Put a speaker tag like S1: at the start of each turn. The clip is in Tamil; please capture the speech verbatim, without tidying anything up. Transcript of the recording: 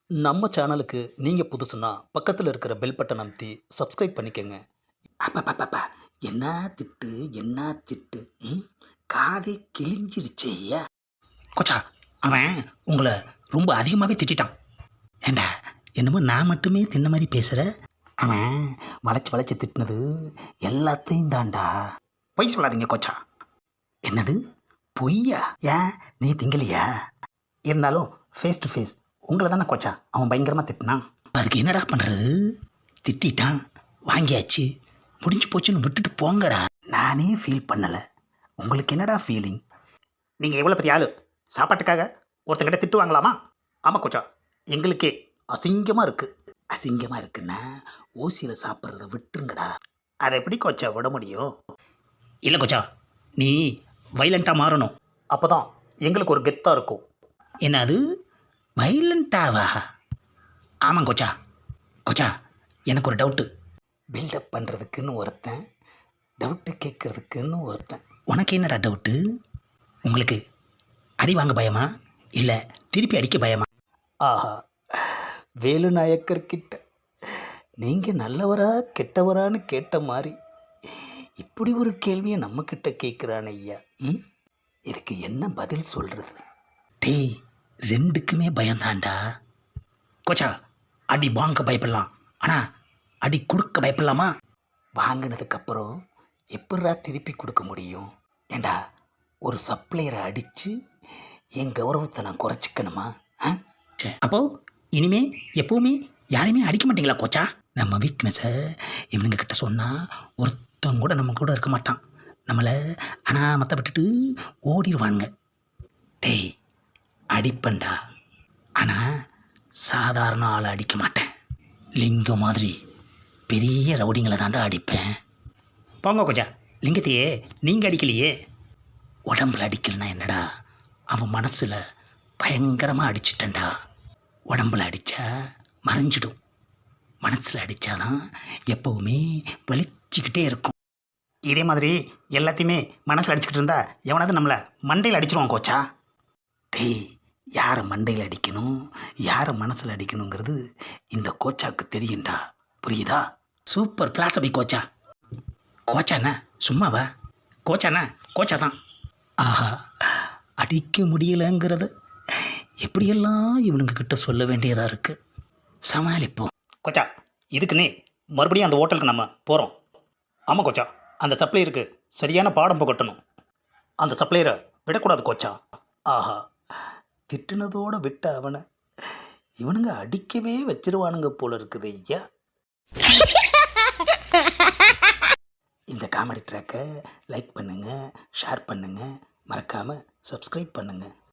S1: நம்ம சேனலுக்கு நீங்கள் புதுசுன்னா பக்கத்தில் இருக்கிற பெல் பட்டன் அமைத்தி சப்ஸ்கிரைப் பண்ணிக்கோங்க. அப்பப்பப்பா, என்ன திட்டு என்ன திட்டு, ம் காதே கிழிஞ்சிருச்சே ஐயா. கொச்சா, அவன் உங்களை ரொம்ப அதிகமாகவே திட்டான். ஏண்டா, என்னமோ நான் மட்டுமே தின்ன மாதிரி பேசுகிற. அவன் வளைச்சி வளைச்சி திட்டினது எல்லாத்தையும் தாண்டா. பொய் சொல்லாதீங்க கொச்சா. என்னது பொய்யா? ஏன் நீ திங்கலையா? இருந்தாலும் ஃபேஸ் டு ஃபேஸ் உங்களை தானே கொச்சா அவன் பயங்கரமாக திட்டினான். அதுக்கு என்னடா பண்ணுறது? திட்டான், வாங்கியாச்சு, முடிஞ்சு போச்சுன்னு விட்டுட்டு போங்கடா. நானே ஃபீல் பண்ணலை, உங்களுக்கு என்னடா ஃபீலிங்? நீங்கள் எவ்வளோ பெரிய ஆளு, சாப்பாட்டுக்காக ஒருத்தங்கிட்ட திட்டு வாங்கலாமா? ஆமாம் கொச்சா, எங்களுக்கே அசிங்கமாக இருக்குது. அசிங்கமாக இருக்குன்னா ஊசியில் சாப்பிட்றத விட்டுருங்கடா. அதை எப்படி கொச்சா விட முடியும்? இல்லை கொச்சா, நீ வைலண்ட்டாக மாறணும், அப்போ தான் எங்களுக்கு ஒரு கெத்தாக இருக்கும். என்னது வைலண்ட்டாவா? ஆமாம் கொச்சா. கொச்சா, எனக்கு ஒரு டவுட்டு. பில்டப் பண்ணுறதுக்குன்னு ஒருத்தன், டவுட்டு கேட்குறதுக்குன்னு ஒருத்தன். உனக்கு என்னடா டவுட்டு? உங்களுக்கு அடி வாங்க பயமா, இல்லை திருப்பி அடிக்க பயமா? ஆஹா, வேலு நாயக்கர்கிட்ட நீங்கள் நல்லவரா கெட்டவரான்னு கேட்ட மாதிரி இப்படி ஒரு கேள்வியை நம்மக்கிட்ட கேட்குறான் ஐயா. ம் இதுக்கு என்ன பதில் சொல்கிறது? டேய், ரெண்டுக்குமே பயந்தாண்டா. கோச்சா, அடி வாங்க பயப்படலாம், ஆனால் அடி கொடுக்க பயப்படலாமா? வாங்கினதுக்கப்புறம் எப்படா திருப்பி கொடுக்க முடியும்? ஏண்டா, ஒரு சப்ளையரை அடித்து என் கௌரவத்தை நான் குறைச்சிக்கணுமா? ஆ அப்போது இனிமே எப்போவுமே யாரையுமே அடிக்க மாட்டீங்களா கோச்சா? நம்ம வீக்னஸை இவனுங்க கிட்ட சொன்னால் ஒருத்தவங்க கூட நம்ம கூட இருக்க மாட்டான், நம்மளை அனாமத்தை விட்டுட்டு ஓடிடுவானுங்க. டேய், அடிப்பண்டா, ஆனால் சாதாரண ஆளை அடிக்க மாட்டேன், லிங்கம் மாதிரி பெரிய ரவுடிங்களை தாண்டா அடிப்பேன். போங்க கொச்சா, லிங்கத்தையே நீங்கள் அடிக்கலையே. உடம்புல அடிக்கலைன்னா என்னடா, அவன் மனசில் பயங்கரமாக அடிச்சிட்டேன்டா. உடம்புல அடித்தா மறைஞ்சிடும், மனசில் அடித்தாதான் எப்போவுமே வலிச்சிக்கிட்டே இருக்கும். இதே மாதிரி எல்லாத்தையுமே மனசில் அடிச்சுக்கிட்டு இருந்தா எவனாவது நம்மளை மண்டையில் அடிச்சிருவான் கோச்சா. டேய், யாரை மண்டையில் அடிக்கணும், யாரை மனசில் அடிக்கணுங்கிறது இந்த கோச்சாவுக்கு தெரியும்டா, புரியுதா? சூப்பர் பிளாசபி கோச்சா. கோச்சாண்ணா சும்மாவா? கோச்சாண்ணா கோச்சா தான். ஆஹா, அடிக்க முடியலைங்கிறது எப்படியெல்லாம் இவனுங்க கிட்ட சொல்ல வேண்டியதாக இருக்குது. சமாளிப்போம். கோச்சா, இதுக்குன்னே மறுபடியும் அந்த ஹோட்டலுக்கு நம்ம போகிறோம். ஆமாம் கோச்சா, அந்த சப்ளையருக்கு சரியான பாடம் புகட்டணும். அந்த சப்ளையரை விடக்கூடாது கோச்சா. ஆஹா, திட்டுனதோடு விட்ட அவனை இவனுங்க அடிக்கவே வச்சிருவானுங்க போல இருக்குது ஐயா. இந்த காமெடி ட்ராக்கை லைக் பண்ணுங்கள், ஷேர் பண்ணுங்கள், மறக்காமல் சப்ஸ்கிரைப் பண்ணுங்கள்.